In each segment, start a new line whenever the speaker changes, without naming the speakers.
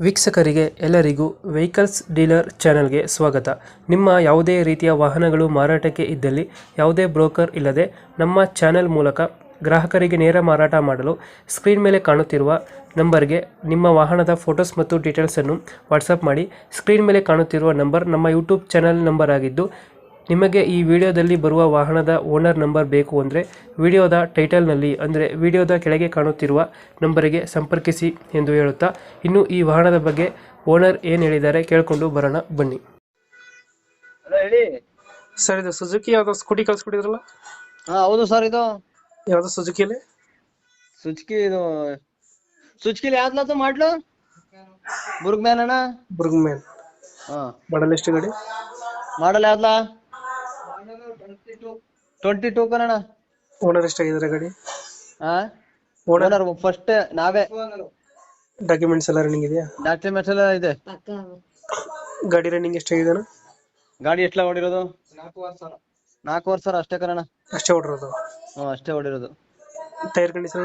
ವೀಕ್ಷಕರಿಗೆ ಎಲ್ಲರಿಗೂ vehicles dealer ಚಾನೆಲ್ಗೆ ಸ್ವಾಗತ. ನಿಮ್ಮ ಯಾವುದೇ ರೀತಿಯ ವಾಹನಗಳು ಮಾರಾಟಕ್ಕೆ ಇದ್ದಲ್ಲಿ ಯಾವುದೇ ಬ್ರೋಕರ್ ಇಲ್ಲದೆ ನಮ್ಮ ಚಾನೆಲ್ ಮೂಲಕ ಗ್ರಾಹಕರಿಗೆ ನೇರ ಮಾರಾಟ ಮಾಡಲು ಸ್ಕ್ರೀನ್ ಮೇಲೆ ಕಾಣುತ್ತಿರುವ ನಂಬರ್ಗೆ ನಿಮ್ಮ ವಾಹನದ ಫೋಟೋಸ್ ಮತ್ತು ಡೀಟೇಲ್ಸನ್ನು ವಾಟ್ಸಪ್ ಮಾಡಿ. ಸ್ಕ್ರೀನ್ ಮೇಲೆ ಕಾಣುತ್ತಿರುವ ನಂಬರ್ ನಮ್ಮ ಯೂಟ್ಯೂಬ್ ಚಾನೆಲ್ ನಂಬರ್ ಆಗಿದ್ದು, ನಿಮಗೆ ಈ ವಿಡಿಯೋದಲ್ಲಿ ಬರುವ ವಾಹನದ ಓನರ್ ನಂಬರ್ ಬೇಕು ಅಂದರೆ ವಿಡಿಯೋದ ಟೈಟಲ್ನಲ್ಲಿ ಅಂದರೆ ವಿಡಿಯೋದ ಕೆಳಗೆ ಕಾಣುತ್ತಿರುವ ನಂಬರಿಗೆ ಸಂಪರ್ಕಿಸಿ ಎಂದು ಹೇಳುತ್ತಾ, ಇನ್ನು ಈ ವಾಹನದ ಬಗ್ಗೆ ಓನರ್ ಏನು ಹೇಳಿದ್ದಾರೆ ಕೇಳಿಕೊಂಡು ಬರೋಣ ಬನ್ನಿ.
ಹಲೋ ಹೇಳಿ
ಸರ್, ಇದು ಸುಜುಕಿ ಯಾವುದೋ ಸ್ಕೂಟಿ ಕಳ್ಸ್ಕೊಟ್ಟಿದ್ರಲ್ಲ?
ಹಾ ಹೌದು ಸರ್. ಇದು
ಯಾವುದೋ ಸುಜುಕಿಯಲ್ಲಿ
ಸುಜುಕಿಲಿ ಯಾವ್ದು ಮಾಡ್ಲು ಬುರ್ಗ್ ಮ್ಯಾನ್ ಅಣ್ಣ.
ಬುರ್ಗ್ಮ್ಯಾನ್
ಹಾ
ಮಾಡಲ್ ಎಷ್ಟು ಗಾಡಿ?
ಮಾಡಲ್ ಯಾವ್ದ 22 ಕಣ.
ಓನರ್ ಎಷ್ಟಾಗಿದ್ದಾರೆ ಗಾಡಿ?
ಹಾ
ಓನರ್
ಓನರ್ ಫಸ್ಟ್ ನಾವೇ.
ಡಾಕ್ಯುಮೆಂಟ್ಸ್ ಎಲ್ಲ ರನ್ನಿಂಗ್ ಇದೆಯಾ?
ಡಾಕ್ಯುಮೆಂಟ್ಸ್ ಎಲ್ಲ ಇದೆ.
ಗಾಡಿ ರನ್ನಿಂಗ್ ಎಷ್ಟಾಗಿದೆ?
ಗಾಡಿ ಎಷ್ಟ್ಲ ಹೊಡಿರೋದು? 4 ವರ್ಷ ಅಷ್ಟೇ ಕಣ.
ಅಷ್ಟೇ ಹೊಡಿರೋದು?
ಹ್ಮ್ ಅಷ್ಟೇ ಹೊಡಿರೋದು.
ಟೈರ್ ಕಂಡೀಷನ್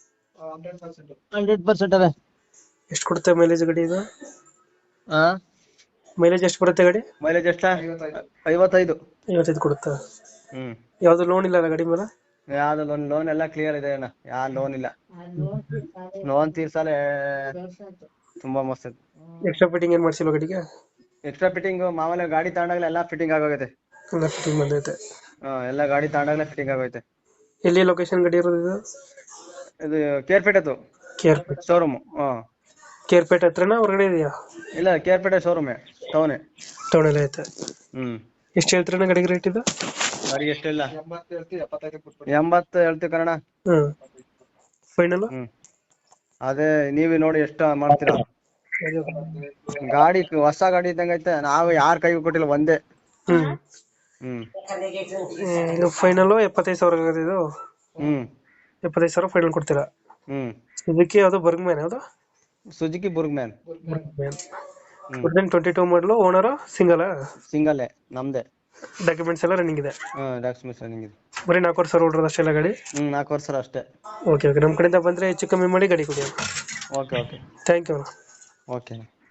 100% ಅವೆ.
ಎಷ್ಟು ಕೊಡುತ್ತೆ ಮೈಲೇಜ್ ಗಾಡಿ ಇದು?
ಹಾ
ಮೈಲೇಜ್ ಎಷ್ಟು ಬರುತ್ತೆ ಗಾಡಿ?
ಮೈಲೇಜ್ ಎಷ್ಟ? 55.
55 ಕೊಡುತ್ತಾ?
ಹ್ಮ್
ಯಾವ್ದು ಲೋನ್ ಇಲ್ಲ ಗಾಡಿ ಮೇಲೆ?
ಯಾವ್ದು ಲೋನ್ ಎಲ್ಲ ಕ್ಲಿಯರ್ ಇದೆ ಅಣ್ಣ. ಯಾವ ಲೋನ್ ಇಲ್ಲ. ಲೋನ್ ತೀರ್ಸಲೆ ತುಂಬಾ ಮಸ್ತ್.
ಎಕ್ಸ್ಟ್ರಾ ಫಿಟ್ಟಿಂಗ್ ಏನ್ ಮಾಡ್ಸಿಲ್ವ ಗಾಡಿಗೆ?
ಎಕ್ಸ್ಟ್ರಾ ಫಿಟ್ಟಿಂಗ್ ಮಾಮೂಲಿ ಗಾಡಿ ತಗೊಂಡಾಗಲೇ ಎಲ್ಲ ಫಿಟ್ಟಿಂಗ್ ಆಗೋಗೈತೆ.
ಎಲ್ಲ ಫಿಟ್ಟಿಂಗ್ ಬಂದೈತೆ?
ಎಲ್ಲ ಗಾಡಿ ತಗೊಂಡಾಗಲೇ ಫಿಟ್ಟಿಂಗ್ ಆಗೋಯ್ತೆ.
ಎಲ್ಲಿ ಲೊಕೇಶನ್ ಗಾಡಿ ಇರೋದು ಇದು?
ಇದು ಕೇರ್ಪೇಟೆದು
ಕೇರ್ಪೇಟೆ
ಶೋರೂಮ್.
ಕೇರ್ಪೇಟೆ ಹತ್ರನಾ ಹೊರಗಡೆ ಇದೆಯಾ?
ಇಲ್ಲ ಕೇರ್ಪೇಟೆ ಶೋರೂಮೇ, ಟೌನೇ.
ಟೌನ್ ಎಲ್ಲ ಐತೆ.
ಹ್ಮ್
ಎಷ್ಟು ಹೇಳ್ತೀರಣ್ಣ ಗಾಡಿಗೆ ರೇಟ್ ಇದು?
ಗಾಡಿ ಎಷ್ಟಿಲ್ಲ 80 ಹೇಳ್ತೀವಿ ಕನ್ನಡ.
ಹ್ಮ್ ಫೈನಲ್?
ಹ್ಮ್ ಅದೇ ನೀವೇ ನೋಡಿ ಎಷ್ಟು ಮಾಡ್ತೀರಾ. ಗಾಡಿ ಹೊಸ ಗಾಡಿ ಇದ್ದಂಗ ಐತೆ. ನಾವು ಯಾರ ಕೈಗೂ ಕೊಟ್ಟಿಲ್ಲ, ಒಂದೇ.
ಹ್ಮ್
ಹ್ಮ್
ಇದು ಫೈನಲ್ 75,000 ಆಗೋದು ಇದು?
ಹ್ಮ್
75,000 ಫೈನಲ್ ಕೊಡ್ತೀರಾ?
ಹ್ಮ್
ಇದಕ್ಕೆ ಯಾವ್ದು ಬರ್ಗ್ಮ್ಯಾನ್? ಯಾವ್ದು?
Suzuki ಬುರ್ಗ್ man.
22 ಮಾಡಲು. Owner single?
ಸಿಂಗಲ್ಲೇ, ನಮ್ದೇ.
ಡಾಕ್ಯುಮೆಂಟ್ಸ್ ಎಲ್ಲ ರನ್ನಿಂಗ್ ಇದೆ?
ಡಾಕ್ಯುಮೆಂಟ್ಸ್ ರನ್ನಿಂಗ್ ಇದೆ.
ಬರೀ 4 ವರ್ಷ ಹೊಡ್ರೋದು ಅಷ್ಟೆಲ್ಲ ಗಾಡಿ?
4 ವರ್ಷ ಅಷ್ಟೇ.
ಓಕೆ ಓಕೆ, ನಮ್ಮ ಕಡೆಯಿಂದ ಬಂದರೆ ಹೆಚ್ಚು ಕಮ್ಮಿ ಮಾಡಿ ಗಾಡಿ ಕೊಡಿ.
Okay okay
thank you.
Okay.